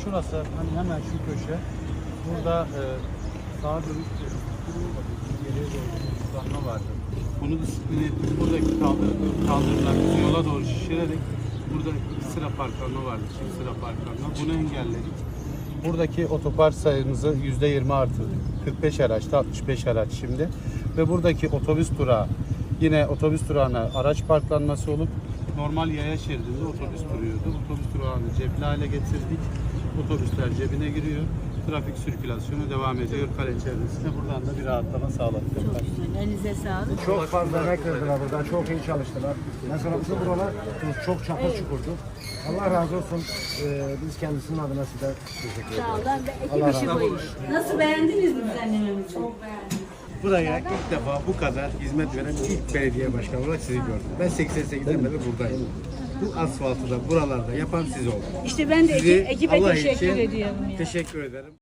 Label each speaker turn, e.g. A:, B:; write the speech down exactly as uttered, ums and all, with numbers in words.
A: şurası, hani hemen şu köşe. Burada e, sağa dönük geriye doğru bir hızlanma vardı. Bunu disiplin ettik. Buradaki kaldır, kaldırımlarımızı yola doğru şişirerek burada iki sıra parklanma vardı. Çift sıra parklanma. Bunu engelledik. Buradaki otopark sayımızı yüzde yirmi artırdık. kırk beş araçta altmış beş araç şimdi. Ve buradaki otobüs durağı yine otobüs durağına araç parklanması olup normal yaya şeridinde otobüs duruyordu. Otobüs durağını cepli hale getirdik. Otobüsler cebine giriyor. Trafik sirkülasyonu devam ediyor kale çevresinde. Buradan da bir rahatlama sağladık.
B: Çok güzel. Elinize sağlık.
C: Çok fazla emek verdiler burada. Çok iyi çalıştılar. Mesela bizim buralar çok çapur çukurdu. Allah razı olsun. Ee, biz kendisinin adına size teşekkür ederiz.
B: Sağ olun. Ve ekip
C: Allah
B: işi
C: razı
B: bu iş. Nasıl beğendiniz mi düzenlememizi? Çok beğendim.
C: Buraya ilk defa bu kadar hizmet veren ilk belediye başkanı olarak sizi gördüm. Ben seksen sekizden beri buradayım. Bu asfaltı da buralarda yapan siz oldunuz.
B: İşte ben de
C: Sizi
B: ekip, ekibe
C: Allah
B: teşekkür
C: için
B: ediyorum ya.
C: Teşekkür ederim.